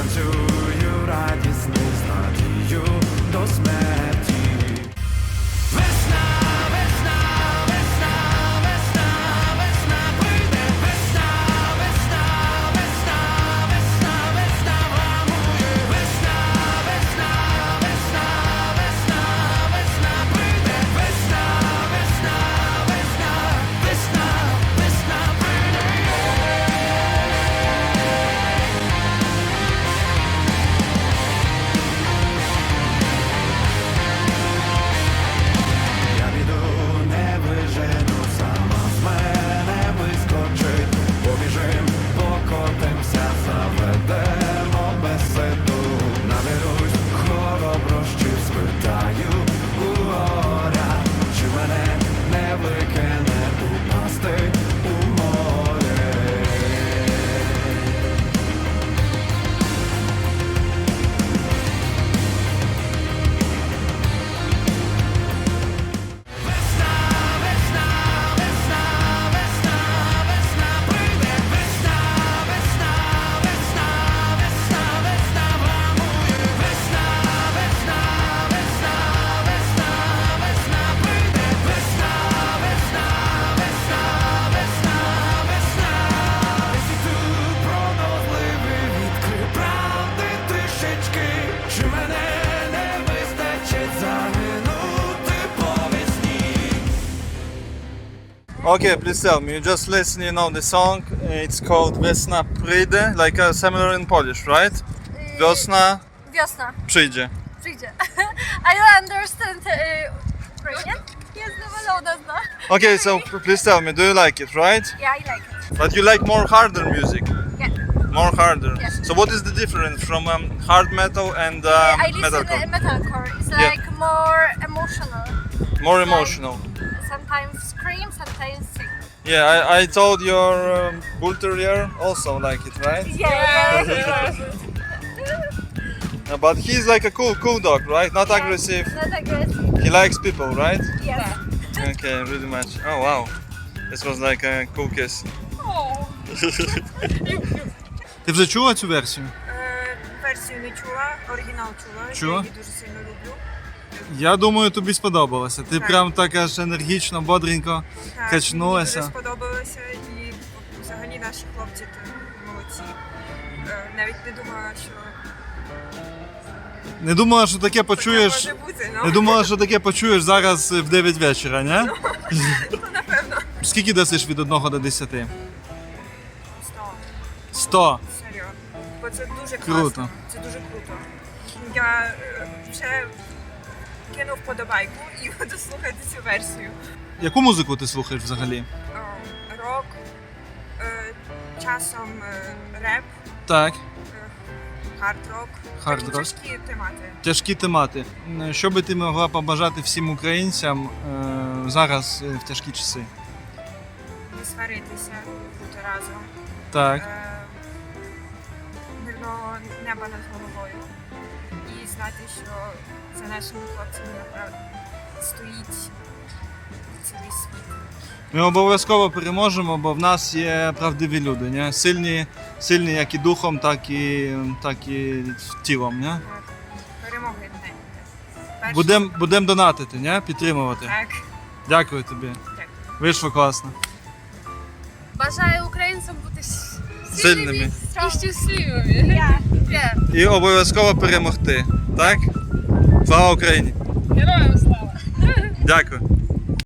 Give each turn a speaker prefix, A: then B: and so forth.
A: танцюю радісний з надією до смерті. Весна, весна, весна, весна, весна прийде, весна, весна, весна, весна, весна врамує, весна, весна, весна, весна, весна прийде, весна, весна, весна, весна, весна прийде. Я піду, не вижену, сама з мене вискочить. Побіжим, покотимся, заведемо беседу. Наберусь хороброщів, спитаю у горя, чи мене не викине упасти у море. Весна, весна, весна, весна, весна прийде, весна, весна, весна, весна, весна врамує, весна, весна, весна, весна, весна прийде, весна, весна, весна, весна, весна. Місяцю пронозливий відкрив правди трішечки, чи мене не вистачить загинути по весні.
B: Okay, please tell me. You just listen, you know the song. It's called Vesna Przyjdzie, like similar in Polish, right? Wiosna
C: Wiosna
B: przyjdzie.
C: przyjdzie. I don't understand Ukrainian. Yes, no, no.
B: Okay, so please tell me, do you like it, right?
C: Yeah, I like it.
B: But you like more harder music.
C: Yeah.
B: More harder.
C: Yes.
B: So what is the difference from hard metal and
C: I listen
B: metalcore?
C: metalcore. It's
B: Yeah.
C: like more emotional.
B: More emotional.
C: Sometimes scream, sometimes sing.
B: Yeah, I told your bull terrier also like it, right?
C: Yeah.
B: But he's like a cool dog, right? Not aggressive.
C: Not aggressive.
B: He likes people, right?
C: Yes.
B: Okay, really much. Oh wow, this was like a cool kiss.
C: Oh.
B: Ти вже чула цю версію?
D: Версію не чула, оригінал чула.
B: Чула?
D: Я її дуже сильно люблю.
B: Я думаю, тобі сподобалося. Ти
D: Так.
B: прям так аж енергічно, бодренько
D: Так,
B: качнулася.
D: Мені дуже сподобалося і взагалі наші хлопці то молодці. Навіть не думала, що
B: Не думала, що таке почуєш.
D: таке може бути.
B: Не думала, що таке почуєш зараз в 9 вечора, не?
D: Ну, напевно.
B: Скільки дасиш від 1 до 10?
D: 100.
B: 100.
D: Серйозно. Бо це дуже
B: Круто.
D: класно. Це дуже круто. Я вже кинув подобайку і буду слухати цю версію.
B: Яку музику ти слухаєш взагалі?
D: Рок, часом реп,
B: Так,
D: хард-рок.
B: Хард-рок.
D: Такі тяжкі темати.
B: тяжкі темати. Що би ти могла побажати всім українцям зараз в тяжкі часи?
D: Не сваритися, бути разом.
B: Так.
D: Мирного неба над головою. І знати, що за нашими хлопцями направді стоїть цілий світ.
B: Ми обов'язково переможемо, бо в нас є правдиві люди, не? Сильні як і духом, так і тілом. Не?
D: Так. Перемоги не.
B: Будем донатити, не? Підтримувати.
D: Так.
B: Дякую тобі.
D: Дякую.
B: Вийшло класно.
C: Бажаю українцям бути
B: Сильними.
C: і щасливими. Yeah.
B: І обов'язково перемогти. Так? Слава Україні!
C: Героям слава!
B: Дякую.